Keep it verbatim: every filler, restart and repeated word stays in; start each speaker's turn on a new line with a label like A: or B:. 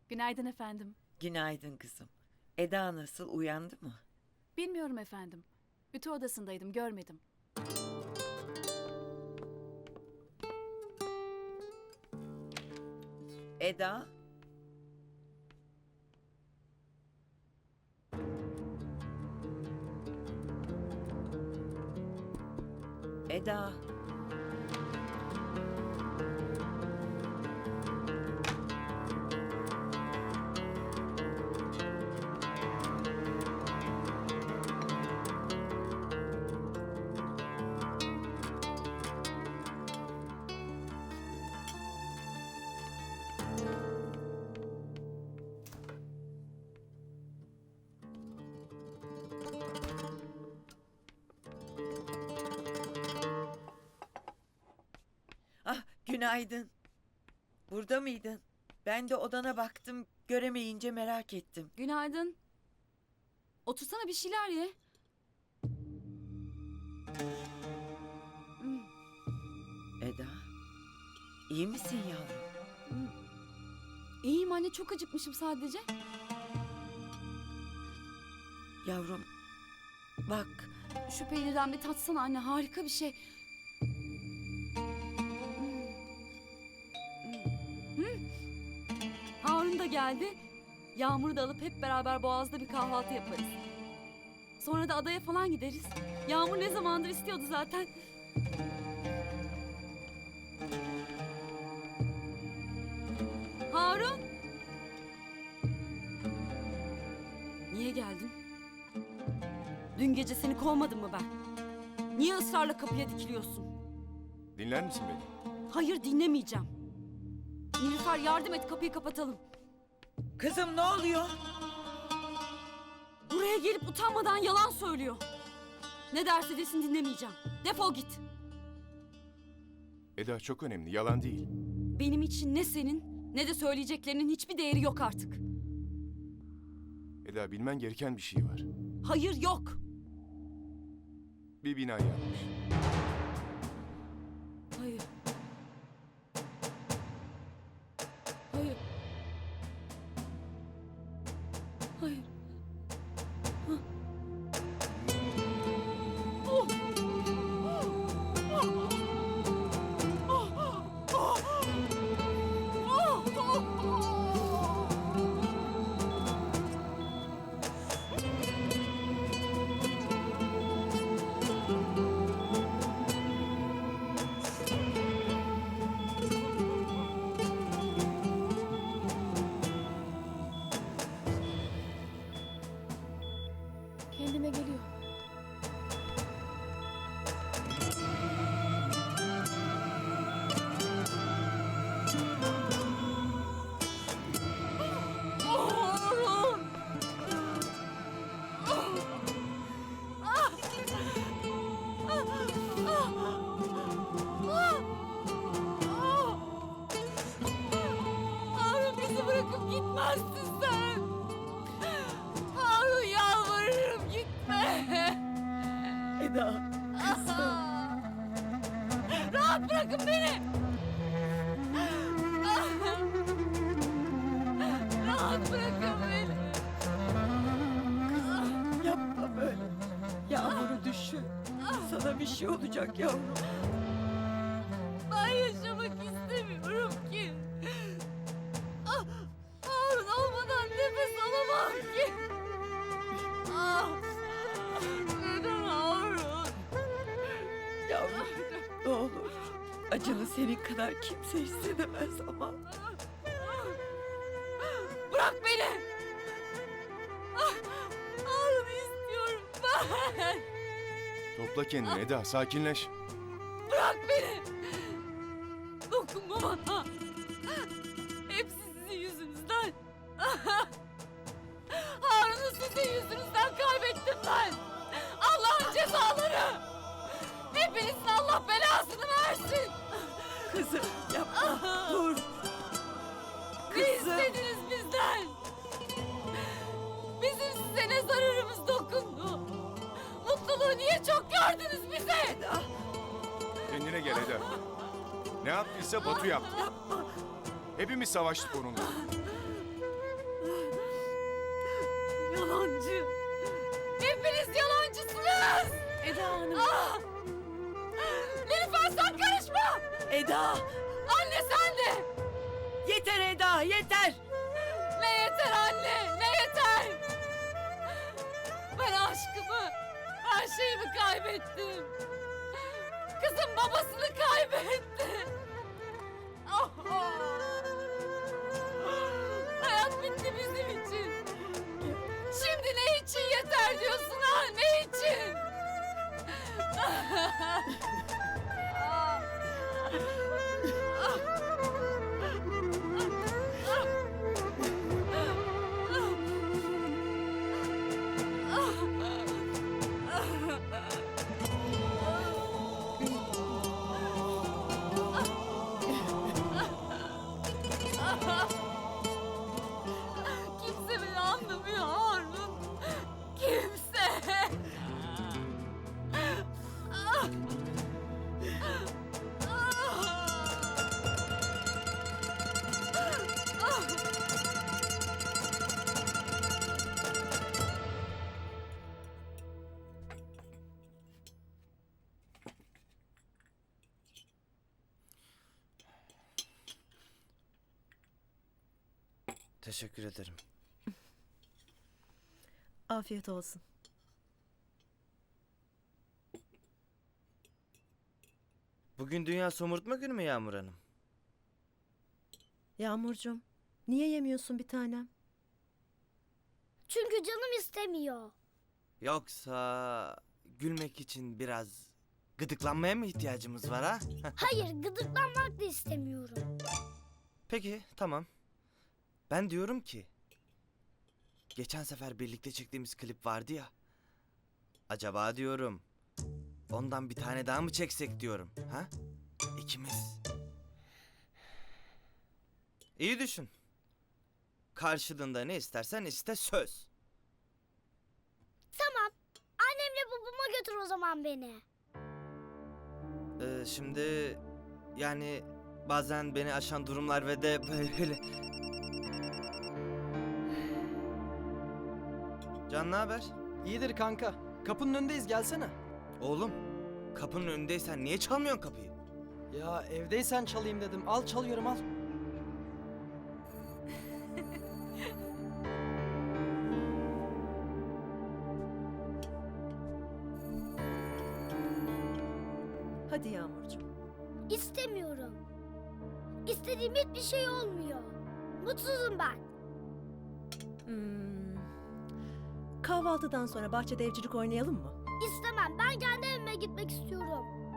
A: Günaydın efendim.
B: Günaydın kızım. Eda nasıl, uyandı mı?
A: Bilmiyorum efendim. Ütü odasındaydım, görmedim.
B: Eda? Eda? Ah, günaydın. Burada mıydın? Ben de odana baktım, göremeyince merak ettim.
A: Günaydın. Otursana bir şeyler ye.
B: Eda, iyi misin yavrum?
A: İyiyim anne, çok acıkmışım sadece.
B: Yavrum, bak,
A: Şu peynirden bir tatsana anne, harika bir şey. Hmm. Harun da geldi. Yağmur'u da alıp hep beraber Boğaz'da bir kahvaltı yaparız. Sonra da adaya falan gideriz. Yağmur ne zamandır istiyordu zaten. Harun! Niye geldin? Dün gece seni kovmadım mı ben? Niye ısrarla kapıya dikiliyorsun?
C: Dinler misin beni?
A: Hayır, dinlemeyeceğim. Nilüfer, yardım et, kapıyı kapatalım.
B: kızım ne oluyor?
A: Buraya gelip utanmadan yalan söylüyor. Ne derse desin dinlemeyeceğim. Defol git.
C: Eda çok önemli, yalan değil.
A: Benim için ne senin ne de söyleyeceklerinin hiçbir değeri yok artık.
C: Eda bilmen gereken bir şey var.
A: Hayır, yok.
C: Bir bina yanmış.
A: Hayır. Hayır. Hayır. Hah. Oh. Oh. Kendine geliyor. Harun! Harun, bizi bırakıp gitmezsin sen. Harun, yalvarırım gitme.
B: Eda,
A: Rahat bırakın beni. Rahat bırakın beni.
B: yapma böyle. Yağmur'u düşün. Sana bir şey olacak yavrum.
A: Ben yaşamak istemiyorum ki. Ah, Harun olmadan nefes alamam ki. Ah, neden Harun?
B: Yavrum, ne olur. Acını senin kadar kimse hissedemez ama.
A: Bırak beni. Ah, Harun istiyorum ben.
C: Topla kendini Eda, sakinleş.
A: Bırak beni. Dokunma bana. Hepsi sizin yüzünüzden. Harun'u sizin yüzünüzden kaybettim ben. Allah'ın cezaları. Hepinizin Allah belasını versin.
B: Kızım yapma, dur.
A: Ne
B: Kızım.
A: istediniz bizden? Bizim size ne zararımız dokundu? Mutluluğu niye çok gördünüz bize?
B: Eda,
C: Kendine gel Eda. Ne yaptıysa Batu yaptı.
B: yapma.
C: Hepimiz savaştık onunla.
A: Yalancı. Hepiniz yalancısınız.
B: Eda Hanım.
A: Ah! Nilüfer sen karışma.
B: Eda.
A: Anne sen de.
B: Yeter Eda, yeter.
A: Ne yeter anne, ne yeter? Ben aşkımı, her şeyimi kaybettim. Kızım babasını kaybetti. Ah! Hayat bitti bizim için. Şimdi ne için yeter diyorsun ha, ne için? Kimse beni anlamıyor Harun. Kimse.
D: Teşekkür ederim.
E: Afiyet olsun.
D: Bugün Dünya Somurtma Günü mü Yağmur Hanım?
E: Yağmurcuğum, niye yemiyorsun bir tanem?
F: Çünkü canım istemiyor.
D: Yoksa gülmek için biraz gıdıklanmaya mı ihtiyacımız var ha?
F: Hayır, gıdıklanmak da istemiyorum.
D: Peki, tamam. Ben diyorum ki, geçen sefer birlikte çektiğimiz klip vardı ya. Acaba diyorum, ondan bir tane daha mı çeksek diyorum, ha? İkimiz. İyi düşün. Karşılığında ne istersen iste, söz.
F: Tamam, annemle babama götür o zaman beni.
D: Ee, şimdi yani bazen beni aşan durumlar ve de böyle... Can, ne haber?
G: İyidir kanka. Kapının önündeyiz, gelsene.
D: Oğlum, kapının önündeysen niye çalmıyorsun kapıyı?
G: Ya evdeysen çalayım dedim. Al, çalıyorum, al.
E: Hadi Yağmurcuğum.
F: İstemiyorum. İstediğim hiçbir şey olmuyor. Mutsuzum ben.
E: Hmm. Kahvaltıdan sonra bahçede evcilik oynayalım mı?
F: İstemem, ben kendi evime gitmek istiyorum.